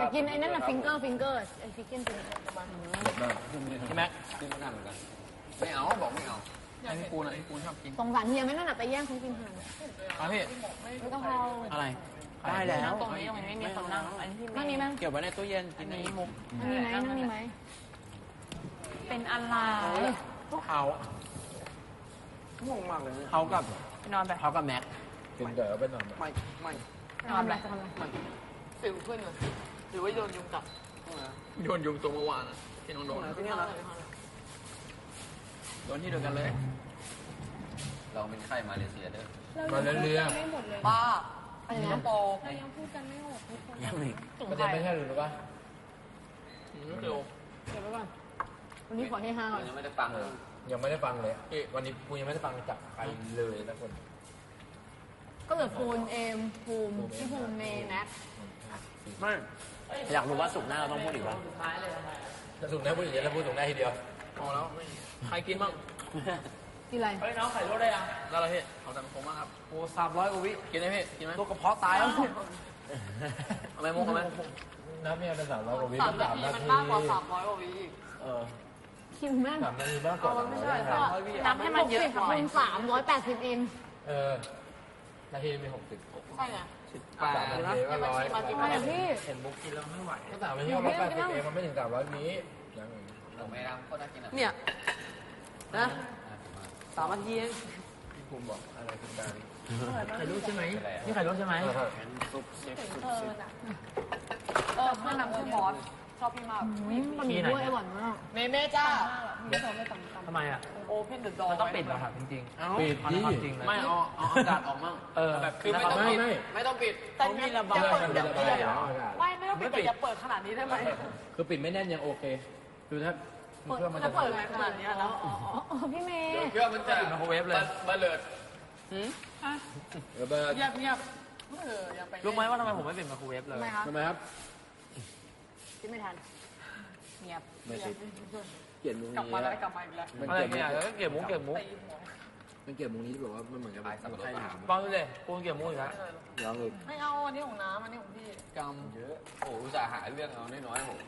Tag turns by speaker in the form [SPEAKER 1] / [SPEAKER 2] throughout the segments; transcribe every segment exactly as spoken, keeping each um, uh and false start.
[SPEAKER 1] จะกินไอ้นั่นน่ะฟิงเกอร์ฟิงเกอร์ไอ้ฟิกเก้นฟิงเกอร์ประมาณนี้
[SPEAKER 2] พี่แม็กกินไม่นานเหมือนกันไม่เอาบอกไม่เอาไอ้พี่ปูนอ่ะพี่ปูนชอบกิน
[SPEAKER 1] สงสารเฮียไม่นั่นน่ะไปแย่งเขากินห่าน
[SPEAKER 2] อ่ะพี่
[SPEAKER 1] ไม่ต้องเอา
[SPEAKER 2] อะไรได้แล้ว
[SPEAKER 3] ตรงนี้ตรงนี้ไม่มีคนนั่งอันนี้พี่
[SPEAKER 1] นั่งนี่มั้ง
[SPEAKER 2] เก็บไว้ในตู้เย็นกินในมุม
[SPEAKER 1] นั่งนี่ไหมนั่งนี่ไหม
[SPEAKER 3] เป็นอะไร
[SPEAKER 2] เขางงมากเลยเขากับ
[SPEAKER 3] นอนไป
[SPEAKER 2] เขากับแม็ก
[SPEAKER 4] กินเดี๋ยวไปนอน
[SPEAKER 2] ไม่ไม่
[SPEAKER 1] จะทำอะไรจะทำอะไร
[SPEAKER 3] สิวขึ้นเลยหรือว่าโดนยุงกัด
[SPEAKER 2] โดนยุงตัวเมื่อวานอ่ะที่น้องโดนที่นี่นะโดนที่เดียวกันเลยเราเป็นไข้มาเลเซียเด้อ
[SPEAKER 4] มาเรื่อย
[SPEAKER 3] ป้า
[SPEAKER 1] อะไร
[SPEAKER 3] สิงค
[SPEAKER 1] นะ
[SPEAKER 3] โปร์
[SPEAKER 1] ยังพูดกันไม่ออกทุกคน
[SPEAKER 2] ยังอีก
[SPEAKER 4] ๆประเด็นไม่ใช่หรือเปล่า
[SPEAKER 2] เร็ว
[SPEAKER 1] เดี๋ยวไปก่อนวันนี้ขอให้ห้าก่อน
[SPEAKER 2] ยังไม่ได้ฟังเลย
[SPEAKER 4] ยังไม่ได้ฟังเลยวันนี้กูยังไม่ได้ฟังจากใครเลยนะคน
[SPEAKER 1] ก็เหลือฟูนเอมภูมิพี่ภูมิเมย์แน็ก
[SPEAKER 2] ไม่อยากรู้ว่าสุกหน้าเราต้องพูดอีกว่า
[SPEAKER 3] ท้ายเลย
[SPEAKER 4] ถ้าถูกแน่พูดอย่างนี้แล้วพูดถูกแน่ทีเดียว
[SPEAKER 2] พอแล้วใครกินบ้าง
[SPEAKER 1] กินอะไร
[SPEAKER 3] เฮ้ยน้องไข่ลวกได้ยัง
[SPEAKER 2] แล้วเราพี่ขอจำคมมากครับ
[SPEAKER 4] โอ้สามร้อยกว่าวิ
[SPEAKER 2] กินไหมพี่กินไหม
[SPEAKER 4] ตัวกระเพาะตายแล้ว
[SPEAKER 2] เอาไหมมุกเอาไหม
[SPEAKER 4] นับเนี่ยเป็นสามร้อยกว่าวิ
[SPEAKER 3] สามนา
[SPEAKER 4] สาม
[SPEAKER 3] ที
[SPEAKER 4] นา
[SPEAKER 3] มัน
[SPEAKER 4] ที
[SPEAKER 3] มากกว่าสามร้อยกว่าวิอีก
[SPEAKER 4] เออ
[SPEAKER 1] คิวแม่ง
[SPEAKER 4] สามนาทีมากกว่า
[SPEAKER 3] ไม่ใช่
[SPEAKER 4] สา
[SPEAKER 3] สาม มร้อยวินับให้มันเยอะหน่อย
[SPEAKER 1] คูณสามร้อยแปดสิบเอง
[SPEAKER 4] เออนาทีมีหกสิบ
[SPEAKER 3] ใช่ไง
[SPEAKER 2] แปด
[SPEAKER 4] สามนาทีก็ร้อย
[SPEAKER 1] ทำไมอ่ะพี่
[SPEAKER 2] เห็นมุกกินแล้วไม่ไหว
[SPEAKER 4] ก็สามนาทีก็ร้อยแปดสิบเองมันไม่ถึงสามร้อยวิยัง
[SPEAKER 2] เราไม่รับโคตรน่ากินอ่ะ
[SPEAKER 3] เนี่ยนะสามนาทีเอง
[SPEAKER 4] พี่ภูมิบอกอะไรคุณการ
[SPEAKER 2] ไข่ลูกใช่ไหมนี่ไข่ลูกใช่ไหม
[SPEAKER 4] ซุปเชฟซุป
[SPEAKER 1] เอ
[SPEAKER 4] เช
[SPEAKER 1] อ
[SPEAKER 4] ฟ
[SPEAKER 1] น่ะ
[SPEAKER 3] เออเพื่อนนำชื่อบอสชอบพี่มาก
[SPEAKER 1] อืมมันมีด้วยอร่อยมาก
[SPEAKER 3] เมเม่จ้า
[SPEAKER 1] ไม่ชอบไม่ต่ำต่ำ
[SPEAKER 2] ทำไมอ่ะ
[SPEAKER 3] โอเพนเดอะดอ
[SPEAKER 2] มันต้องปิดเหรอครับจริงๆ
[SPEAKER 4] ปิดดิ
[SPEAKER 2] จริงไม่เอาเอาอากาศออกมั่ง
[SPEAKER 4] เออ
[SPEAKER 2] แบบคือไม่ต้องปิดไม่ต้องปิด
[SPEAKER 3] แต่มีระบาย
[SPEAKER 4] เปิดเดี๋ยวเปิด
[SPEAKER 3] ไม่ไม่ต้องปิดแต่อย่าเปิดขนาดนี้ได้ไหม
[SPEAKER 4] คือปิดไม่แน่นยังโอเคคือถ้ามีเครื่องมัน
[SPEAKER 3] จะ
[SPEAKER 4] จะ
[SPEAKER 3] เปิดขนาดนี้แล้ว
[SPEAKER 1] อ๋ออ๋อพี่เมย์
[SPEAKER 2] เครื่องมันจะไมโครเวฟเลยบัลเลิด
[SPEAKER 4] ระเบิด
[SPEAKER 3] เงียบเงียบเอออย่าไป
[SPEAKER 2] รู้ไหมว่าทำไมผมไม่เป็นไมโครเวฟเลย
[SPEAKER 1] ทำไมครับ
[SPEAKER 4] ทำไมครับ
[SPEAKER 1] คิดไม่ทัน
[SPEAKER 3] เงียบ
[SPEAKER 4] ไม่สิเกลียดมุง
[SPEAKER 3] กลับ
[SPEAKER 4] นี้
[SPEAKER 3] มาแล้วกลับมาอีกแล้ว
[SPEAKER 4] มัน
[SPEAKER 2] อะไร
[SPEAKER 4] เกลียด
[SPEAKER 2] เนี่ยเก็บมุกเก็บมุก
[SPEAKER 3] ตีหัว
[SPEAKER 4] มันเกลียดมุงนี้ที่แบบว่ามันเหมือนกับใครถาม
[SPEAKER 2] ฟังดูเลยปูนเก็บมุกอีกแล้ว
[SPEAKER 4] ลองเลย
[SPEAKER 3] ไม่เอาอันนี้ของน้ำอันนี้ของพี่
[SPEAKER 2] กำเยอะโอ้อุตส่าห์หาเรื่องเอาน้อยๆผม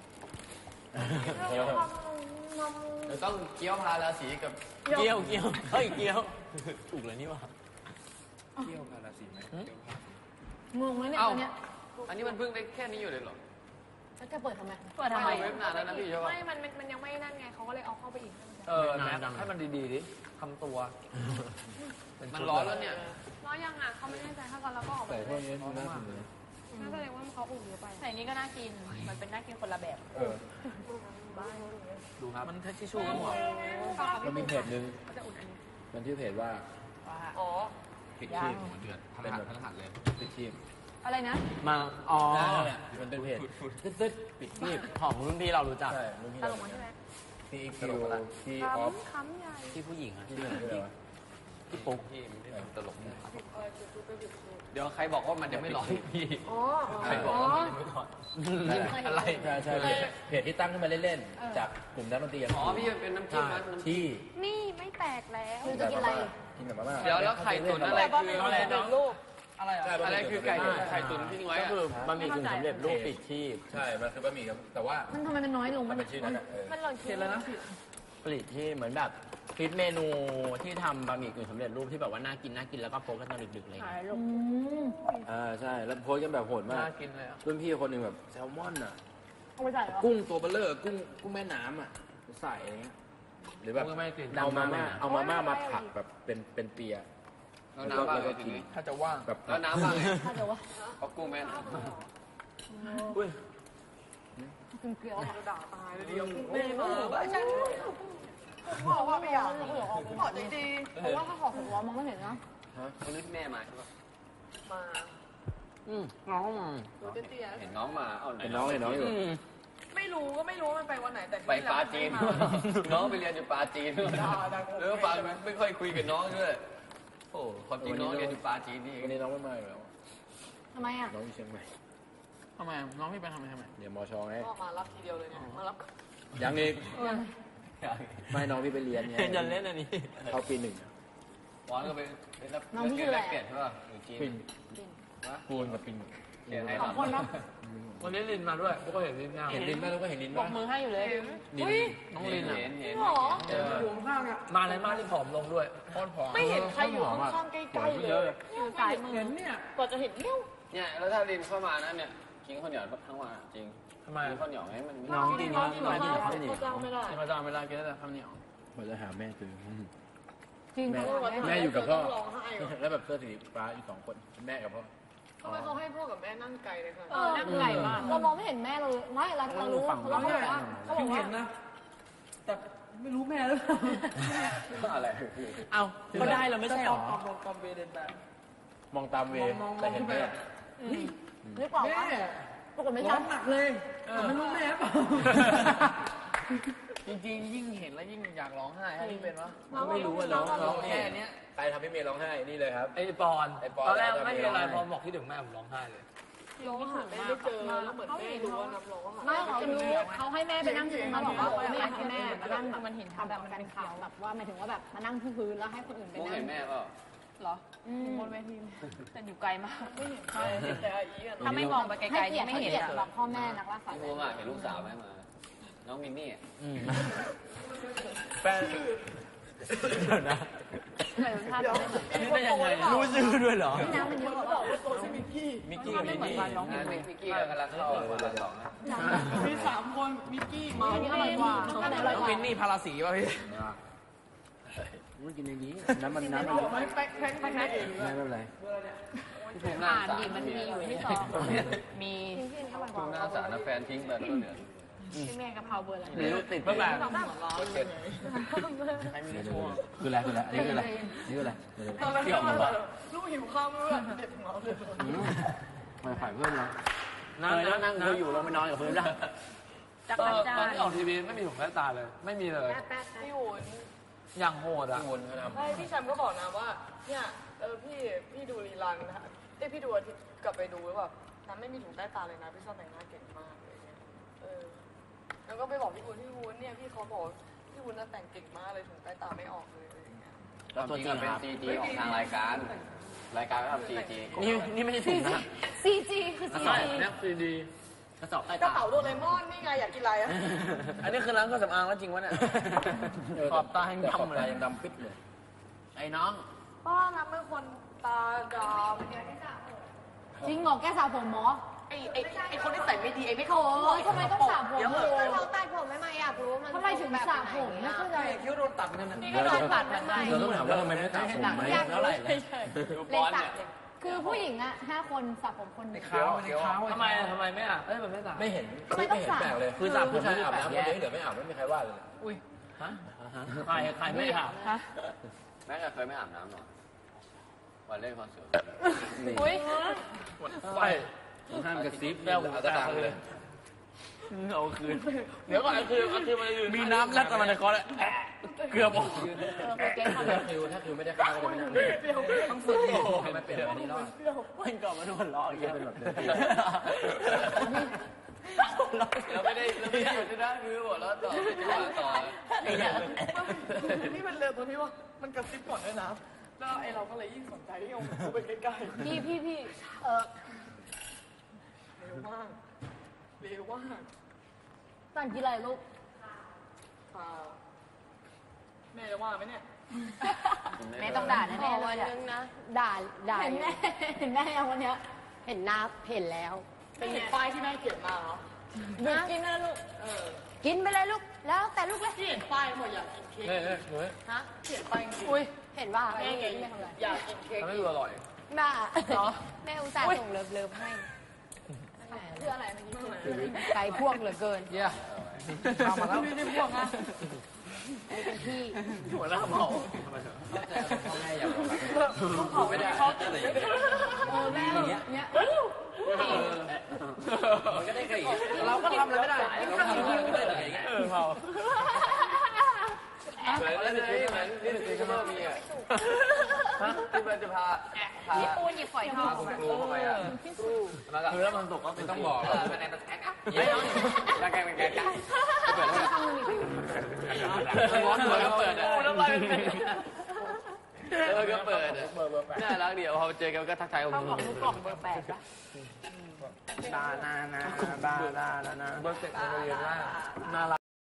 [SPEAKER 2] เดี๋ยวต้องเกี้ยวพาราสีกับเกี้ยวเกี้ยวเฮ้ยเกี้ยวถูกเลยนี่วะ
[SPEAKER 4] เที่ยวพาราสีไหม
[SPEAKER 1] งงไหมเนี่ย
[SPEAKER 2] เอ้า
[SPEAKER 1] ตอนเนี้ย
[SPEAKER 2] อันนี้มันเพิ่งได้แค่นี้อยู่เลยเหรอ
[SPEAKER 1] แล้วจะเปิดทำไม
[SPEAKER 3] เปิดทำไม
[SPEAKER 2] เว็บนานแล้วนะพี่ใช่ปะ
[SPEAKER 5] ไม่ มัน มันยังไม่นั่นไง เขาก็เลยเอาเข้าไปอีก
[SPEAKER 2] เออแม็กให้มันดีๆดิทำตัวมันร้อนแล้วเนี่ย
[SPEAKER 5] ร้อยยังอ่ะเขาไม่แน่ใจถ้าตอนเราก็ออก
[SPEAKER 4] ใส่
[SPEAKER 5] มา
[SPEAKER 4] พวกนี้น่ากินเลย
[SPEAKER 5] น่าแสดงว่าเขาอุ่นเยอะไป
[SPEAKER 3] ใส่นี้ก็น่ากิน มันเป็นน่ากินคนละแบบ
[SPEAKER 4] เออ
[SPEAKER 2] ดูครับมันทิชชู่ก็หมด
[SPEAKER 4] มันมีเพจหนึ่งมันชื่อเพจว่า
[SPEAKER 3] อ๋อ
[SPEAKER 2] ปิดชีพหัวเดือดพลังหัดพลังหัดเลย
[SPEAKER 4] ปิดชีพ
[SPEAKER 1] อะไรนะ
[SPEAKER 2] มาอ๋อ
[SPEAKER 4] มันเป็นเพจตึ๊ดๆปิดชีพ
[SPEAKER 2] ของรุ่นพี่เรารู้จัก
[SPEAKER 4] ใช่รุ่นพี่
[SPEAKER 5] ต
[SPEAKER 4] เรา
[SPEAKER 5] ลกมั้ยใช่ไหม
[SPEAKER 4] ที่คิวที่ออฟ
[SPEAKER 5] ค้ำใหญ่
[SPEAKER 2] ที่ผู้หญิงอะ
[SPEAKER 4] ที่เรื่องอะไรวะ
[SPEAKER 2] ที่ปุ๊กที่ตลกเดี๋ยวใครบอกว่ามันจะไม่ร้อนพี่
[SPEAKER 1] อ๋อ
[SPEAKER 2] ใครบอกว่ามันจะไม่ร้อนอะไร
[SPEAKER 4] ใช่ใช่เพจที่ตั้งขึ้นมาเล่นๆจากกลุ่มนักดนตรี
[SPEAKER 2] อ๋อพี่มันเป็นน้ำจิ้มนะ
[SPEAKER 4] ที่
[SPEAKER 5] นี่ไม่แตกแล้ว
[SPEAKER 1] คือจะกินอะไร
[SPEAKER 4] กินแบบมาม่า
[SPEAKER 2] เดี๋ยวแล้วไข่ตุ๋นอะไรคืออะไรน้อง
[SPEAKER 3] รูปอะไรอ่ะ
[SPEAKER 2] อะไรคือไก่ไข่ตุ๋นที่ทิ้งไว้
[SPEAKER 4] ก็
[SPEAKER 2] อะ
[SPEAKER 4] คือบะหมี่กึ่งสำเร็จรูปปิดชีพใช่ มันคือบะหมี่ครับแต่ว่า
[SPEAKER 1] มันทำไมมันน้อยลง
[SPEAKER 4] มั
[SPEAKER 1] มัน น
[SPEAKER 4] เป็นชื่อนั้นอะเออ
[SPEAKER 5] มันหล่น
[SPEAKER 3] เขียนแล้วนะ
[SPEAKER 6] ผลิตที่เหมือนแบบคิดเมนูที่ทำบะหมี่กึ่งสำเร็จรูปที่แบบว่าน่ากินน่ากินแล้วก็โพสกันตอนดึกๆอะไรอย่าง
[SPEAKER 3] หา
[SPEAKER 6] เลย ย
[SPEAKER 3] ลง
[SPEAKER 1] อืม
[SPEAKER 4] อ่าใช่แล้วโพสต์กันแบบโหดมาก
[SPEAKER 2] น่ากินเลยอ่ะ
[SPEAKER 4] รุ่นพี่คนหนึ่งแบบแซลมอนอ่ะ
[SPEAKER 1] เอาไปใส่เหรอ
[SPEAKER 4] กุ้งตัวเบลเลอร์กุ้งกุ้งแม่น้ำอ่ะใส่อะไรเงี้ยหรือแบบเอามาม่าเอามาม่ามาผัดแบบเป็นเป็นเปีย
[SPEAKER 2] แล้วน้ำบ้างเลยทีนี้
[SPEAKER 3] ถ้าจะว่าง
[SPEAKER 4] แบบ
[SPEAKER 2] แล้วน้ำบ้างไง
[SPEAKER 1] ถ้าเดี๋ยวว่า
[SPEAKER 2] เอากุ้งแม่
[SPEAKER 4] อุ้ย
[SPEAKER 1] กินเกลียว
[SPEAKER 3] จะด่าตายเลยเดียวไม่มาไม่ใช่ผมบอกว่าไม่อยากผมบอกจริง
[SPEAKER 1] เพราะว่าถ้าขอหัวมองไม่เห็นนะ
[SPEAKER 2] วันนี้แม่มาใช่ปะ
[SPEAKER 3] ๆมา
[SPEAKER 6] อืมน้อง
[SPEAKER 3] ดูเตี้ย
[SPEAKER 2] เห็นน้องมาเอาไหน
[SPEAKER 4] เห็นน้องเห็นน้องอยู่
[SPEAKER 3] ๆไม่รู้ก็ไม่รู้ว่ามันไปวันไหนแต่
[SPEAKER 2] ไปปาจีนน้องไปเรียนอยู่ปาจีนแล้วฟังไม่ค่อยคุยกับน้องด้วยโอ้ความจริงน้องเรียนอยู่ปาจีนนี่
[SPEAKER 4] วันนี้น้องไม่มาอยู่แล้ว
[SPEAKER 1] ทำไมอ่ะ
[SPEAKER 4] น้องอยู่เชียงใหม่
[SPEAKER 2] ทำไมน้องพี่ไปทำไมทำไม
[SPEAKER 4] เดี๋ยวมอชอไง
[SPEAKER 3] ก็มารับทีเดียวเลยเนี่ยมารับ
[SPEAKER 4] ยังอีกไม่น้องพี่ไปเรียนไง
[SPEAKER 6] จะเล่นอันนี้
[SPEAKER 4] เข้าปีหนึ่ง
[SPEAKER 2] วอนก็ไปรับเรียนแลกเปลี่ยนใช่ป่ะอยู่จีน
[SPEAKER 4] ปินปูนกับปิน
[SPEAKER 2] เขียนให้
[SPEAKER 1] สองคนเนาะ
[SPEAKER 6] วันนี้ลินมาด้วยพวกก็เห็นลินงาม
[SPEAKER 4] เห็นลิ้นไหมลูกก็เห็นลิ้น
[SPEAKER 1] บ
[SPEAKER 4] ไหม
[SPEAKER 1] อกมือให้อยู่เลย
[SPEAKER 4] ลิ้น
[SPEAKER 6] น้องลินอ่ะ
[SPEAKER 2] เห็นเห็น
[SPEAKER 1] หรอ
[SPEAKER 2] เออ
[SPEAKER 6] มาเลยมากที่ผอมลงด้วยโคตรผอม
[SPEAKER 3] ไม่เห็นใครอยู่ข้างๆใกล้ๆเลย
[SPEAKER 1] อยู่สายมือเนี่ยกว่าจะเห็นเนี่ย
[SPEAKER 2] เนี่ยแล้วถ้าลินเข้ามานะเนี่ยกินข้าวเหนียวทั้งวันอะจริง
[SPEAKER 6] ทำไม
[SPEAKER 2] กินข้าวเหนียวให้มัน
[SPEAKER 6] น้องกินข้าวเหนียว
[SPEAKER 1] ข้าว
[SPEAKER 6] กินข้าวเหนียว
[SPEAKER 1] เจ้าไม่ได้
[SPEAKER 6] กินข้าวจ้าไม่ได้กินแต่ข้าวเหนียว
[SPEAKER 4] เราจะหาแม่เจอ
[SPEAKER 1] จริง
[SPEAKER 4] แม่
[SPEAKER 1] เขาบอก
[SPEAKER 4] แม่อยู่กับพ่อแล้วแบบเสื้อสีฟ้าอยู่สองคนแม่กับพ่อ
[SPEAKER 3] ทำไมเขาให้พ่อกับแม่นั่งไกลเลยคะ
[SPEAKER 1] เออนั่งไก่มากเรามองไม่เห็นแม่เราไม่เราเรารู้เราบอกว่าเขาบอกว่า
[SPEAKER 3] แต่ไม่รู้แม่หรือเปล่า
[SPEAKER 2] อะไร
[SPEAKER 6] เอ้าก็ได้เราไม่ใช่หรอ
[SPEAKER 3] มองตอมเวเดนแบบ
[SPEAKER 4] มองตามเวแต่เห็นแม่
[SPEAKER 1] หรือเปล่า
[SPEAKER 3] แม่
[SPEAKER 1] วะปรากฏไม่
[SPEAKER 3] ร้อ
[SPEAKER 1] ใช่
[SPEAKER 3] งหนักเลยแต่ไม่รู้แม่เปล่า
[SPEAKER 6] จริงๆยิ่งเห็นแล้วยิ่งอยากร้องไห้ถ้าที่เป็นวะ
[SPEAKER 4] ไม่รู้ว่าน้องน้อง
[SPEAKER 6] แค่เนี้ย
[SPEAKER 4] ใครทำให้เมย์ร้องไห้นี่เลยครับ
[SPEAKER 6] ไอ้ปอน
[SPEAKER 4] ไอ้ปอน
[SPEAKER 6] ตอนแรกไม่มีอะไรพอบอกที่ถึงแม่ผมร้องไห้เลย
[SPEAKER 3] ร้องหาแม่ไม่เจอแล้วเหมือนแม่รู้ว่าน้ำร้องหา
[SPEAKER 1] ไม่เขารู้เขาให้แม่ไปนั่งเขาบอกว่าเขาไม่อยากให้แม่มานั่งแบบมันเห็นทำแบบมันเป็นข่าวแบบว่าหมายถึงว่าแบบมานั่งที่พื้นแล้วให้คนอื่นไป
[SPEAKER 2] มุก
[SPEAKER 1] นั่
[SPEAKER 2] เห็
[SPEAKER 1] ง
[SPEAKER 2] นแม่เปล่า
[SPEAKER 1] เหรออืมบนเวทีแต่อยู่ไกลมาก
[SPEAKER 3] แต่อาอีอะ
[SPEAKER 1] ถ้าไม่มองไปไกลๆไม่เห็นแบบพ่อแม่นักล่าสัตว์
[SPEAKER 2] พี่มุกอะเห็นลูกสาวไหมมา น้องมินนี่อะ
[SPEAKER 6] แฟนนะ
[SPEAKER 1] เหมือนภาพไม่เหมือน
[SPEAKER 6] นี่ได้ยังไงรู้ชื่อด้วยเหรอ
[SPEAKER 1] น้ำมันเยอะกว่า
[SPEAKER 3] ตัวชื่อมิกกี้
[SPEAKER 4] มิกกี้กับมินนี่
[SPEAKER 2] งานมิกกี้กำลังเข้าคนละสองนะ
[SPEAKER 3] มีสามคนมิกกี้มา
[SPEAKER 1] อันนี้อร่อยกว่าอันนี้อร่อยกว่า
[SPEAKER 6] มินนี่พาราสีป่ะพี่
[SPEAKER 4] มันกินในนี้น้ำมันน้ำมันเยอะ
[SPEAKER 3] ไม่แป๊กแป๊กแป๊กเอง
[SPEAKER 4] ไม่เป็นไร
[SPEAKER 2] พี่ภูมิหน้า
[SPEAKER 1] อ่าน
[SPEAKER 2] สา
[SPEAKER 1] ดิ
[SPEAKER 2] ร
[SPEAKER 1] มันมีอยู่ที่ซองมี
[SPEAKER 2] ภูมิหน้าสารนะแฟนทิ้งไปแล้วก็เหลือ
[SPEAKER 1] ที่แม่กะเพราเบอร์อะไร
[SPEAKER 6] หรือติดเมื่อแบบ
[SPEAKER 2] เจ็ด
[SPEAKER 6] ใครมีชั่ว
[SPEAKER 4] คืออะไรคืออะไรอันนี้คืออะไรนี่คืออะไร
[SPEAKER 3] ตอนแรกก็ลูกหิวข้าวไม่รู้เด็ดของเราเลย
[SPEAKER 4] มาฝ่ายเพื่อนเรา
[SPEAKER 6] นั่งนั่งคืออยู่ลงไปนอนกับพื้นได้
[SPEAKER 1] จัก
[SPEAKER 6] ต
[SPEAKER 1] ร
[SPEAKER 6] อน
[SPEAKER 1] จั
[SPEAKER 6] ตอน
[SPEAKER 1] นท
[SPEAKER 6] ที่ออกทีวีไม่มีถุงแว่นตาเลย ไม่มีเลย
[SPEAKER 3] พี่วุ้น
[SPEAKER 6] อย่างโหดอ่ะ
[SPEAKER 2] พี่วนเขาทำ
[SPEAKER 3] ใช่พี่แชมป์ก็บอกนะว่าเนี่ยเออพี่พี่ดูรีลันนะเอ้พี่ดูอาทิตย์กลับไปดูแล้วแบบน้ำไม่มีถุงใต้ตาเลยนะพี่ชอบแต่งหน้าเก่งมากเลยเนี่ยเออแล้วก็ไปบอกพี่วุ้นพี่วุ้นเนี่ยพี่เขาบอกพี่วุ้นน่ะแต่งเก่งมากเลยถุงใต้ตาไม่ออกเลยอะไรอย่างเงี้ย
[SPEAKER 2] แล้วตัวจริงเป็นซีจีของทางรายการ รายการก็ทำซีจี
[SPEAKER 6] นี่นี่ไม่ใช่ถุงนะ
[SPEAKER 1] ซีจีคือซี
[SPEAKER 6] ใช่
[SPEAKER 1] จี
[SPEAKER 6] เนี่ยซีดีกระสอบใต้
[SPEAKER 3] กระ
[SPEAKER 6] ตา
[SPEAKER 3] เป๋าโดเรมอนนี่ไงอยากกินอะไรอะ
[SPEAKER 6] อันนี้คือร้านเครื่องสำอางแล้วจริงวะเนี่ยขอบตาให้
[SPEAKER 4] ขอบ
[SPEAKER 6] ดำเล
[SPEAKER 4] ตาย ยังดำปิดเลย
[SPEAKER 6] ไอ้น้อง
[SPEAKER 3] ป้าน้ำเป็นคนตาด
[SPEAKER 1] จริงเหรอแกสาวผมหมอ
[SPEAKER 3] ำไอ้ไอ้ไอ้คนที่ใส่ไม่ดีไอ้ไม่เข้า
[SPEAKER 1] โอ้ยทำไมต้องสระผม
[SPEAKER 3] เดี๋ยว
[SPEAKER 1] เล
[SPEAKER 3] เลย
[SPEAKER 1] ย
[SPEAKER 5] เขาตัดผมไม่มาอยากรู้มัน
[SPEAKER 1] ทำไมถึงสระผมไม่เข้าใจ
[SPEAKER 3] คิ้วโดนตัดนั่นน่ะ
[SPEAKER 1] นี่ก็โดนตัดเหมือนกัน
[SPEAKER 4] เราต้องถามว่าทำไมไม่ตัดผมไหม
[SPEAKER 1] อยาก
[SPEAKER 6] เท่า
[SPEAKER 1] รู้
[SPEAKER 6] ไหร่
[SPEAKER 1] เฉยๆ
[SPEAKER 2] ดู
[SPEAKER 1] เล
[SPEAKER 2] ป้
[SPEAKER 1] ย
[SPEAKER 2] อน
[SPEAKER 1] สระ
[SPEAKER 2] เนี่ย
[SPEAKER 1] คือผู้หญิงอ่ะห้าคนสระผมคนเดียว
[SPEAKER 2] เขียวเขียว
[SPEAKER 6] ทำไมทำไมไม่อ่ะเอ้ยมันไม่ต่าง
[SPEAKER 4] ไม่เห็น
[SPEAKER 1] ทำไม
[SPEAKER 4] ไม่
[SPEAKER 1] ต้อง
[SPEAKER 4] เห็น
[SPEAKER 1] สระ
[SPEAKER 4] แปลกเลย
[SPEAKER 6] คือสระผม
[SPEAKER 4] ผู้ชาย
[SPEAKER 6] ไม่
[SPEAKER 4] อาบ
[SPEAKER 6] ได้
[SPEAKER 4] น้ำ
[SPEAKER 6] แป
[SPEAKER 4] ค
[SPEAKER 6] ล
[SPEAKER 4] น
[SPEAKER 6] ก
[SPEAKER 4] เดียวเหลือไม่อาบไม่มีใครว่าเลย
[SPEAKER 6] อุ้ยฮะใครใครไม่อาบ
[SPEAKER 1] ฮะ
[SPEAKER 2] แม่เคยไม่อาบน้ำหรอวันเล่นคอนเสิร์ต
[SPEAKER 1] อุ้ย
[SPEAKER 6] ไป
[SPEAKER 4] ห้ามกระซิบ
[SPEAKER 6] แก้วหู
[SPEAKER 4] เอา
[SPEAKER 6] แต
[SPEAKER 4] ตะ
[SPEAKER 6] ก
[SPEAKER 4] ดัง
[SPEAKER 6] เล
[SPEAKER 4] เลย ย
[SPEAKER 6] เอาคืน เดี๋ยวก่อนเอาคืนเอาคืนมาเลยมีน้ำแลบกันมาในคอเลยเกือบออก
[SPEAKER 4] ถ้าคิวถ้าคิวไม่ได้ข้าวก็จะไม่นั่งต้องฝึกให้มันเป็นแบบนี้รอด
[SPEAKER 6] มันก่อนมาโดนล้ออีก
[SPEAKER 4] จะเป็นแบบเดิม
[SPEAKER 2] เราไม่ได้เราไม่ได้หยุดนะคือบอกแล้วต่อต่อ
[SPEAKER 3] นี่มันเร็วตรงที่ว่ามันกระซิบก่อนด้วยนะแล้วไอ้เราก็เลยยิ่งสนใจที่เอาหูไปใกล้ๆ
[SPEAKER 1] พี่พี่พี่เออ
[SPEAKER 3] เร็วมากเร็วมาก
[SPEAKER 1] สั่งกินอะไรลูก
[SPEAKER 3] ค่ะแม่จะว่าไหมเนี่ย
[SPEAKER 1] แม่ต้องด่าแน่ๆเลยอะ
[SPEAKER 5] นึงนะ
[SPEAKER 1] ด่าด่าเห็นแม่เห็นแม่ยังวันเนี้ย
[SPEAKER 5] เห็นหน้าเห็นแล้ว
[SPEAKER 3] เป็นเห็นป้ายที่แม่เขียนมาเหรอ
[SPEAKER 1] หยุดกินนะลูก
[SPEAKER 3] เออ
[SPEAKER 5] กินไปเลยลูก แล้วแต่ลูกเลย
[SPEAKER 3] ที่เห็นป้ายหมดอยากกินเค้ก
[SPEAKER 6] เฮ้ยเฮ้ยเฮ้ย
[SPEAKER 5] ฮะ
[SPEAKER 3] เขียนป้ายจริง
[SPEAKER 5] อุ้ย เห็นว่า
[SPEAKER 3] แม่ไงอยากกินเค้ก
[SPEAKER 6] ทำให้ดูอร่อย
[SPEAKER 5] บ้าแม่อุตส่าห์ส่งเลิฟเลิฟให้
[SPEAKER 1] เพื่ออะไรเมื่อกี้
[SPEAKER 5] ไก่พวกเหลือเกิน
[SPEAKER 6] เยี่ยเอามาแล้ว
[SPEAKER 3] ไม่ได้พวกนะ
[SPEAKER 5] นี่เป็นพี่
[SPEAKER 6] หัวหน้าเมา
[SPEAKER 4] พ่อแม่อยากบอกรัก
[SPEAKER 3] เขาไม่ได้เขาติดเลย
[SPEAKER 1] โอ้แม่อย่างเงี้ยเนี้ย
[SPEAKER 4] มันก็ได้แค่อย่างนี้
[SPEAKER 6] เราก็ทำอะไรไม่ได้
[SPEAKER 4] เราทำอะไรไม่ได้อย่างเงี้ย
[SPEAKER 6] เออเมา
[SPEAKER 2] เหมือนเหมือนเหมือนนี่คือก็มีอ่ะที่มันจะพาพา
[SPEAKER 5] ปูนหยิบฝอยทอง
[SPEAKER 2] คุณครูเข้าไปอ่ะมากับ
[SPEAKER 6] คือแล้วมันตกก็
[SPEAKER 2] ไม่ต้องบอกแล้วเป็นแอนด์แท็กอ่ะไม่ต้องแกงเป็นแกงกันเปิดแล้วร้อนเลยก็เปิดอ่ะแล้วก็เปิดอ่ะน่ารักเดียวพอเจอกันก็ทักทาย
[SPEAKER 1] ข้าวของลูกกล่องเบอร์แปดปะ
[SPEAKER 6] บานานาบานานา
[SPEAKER 2] เบอร์เซ็ตโรงเรียนว่า
[SPEAKER 6] น่ารัก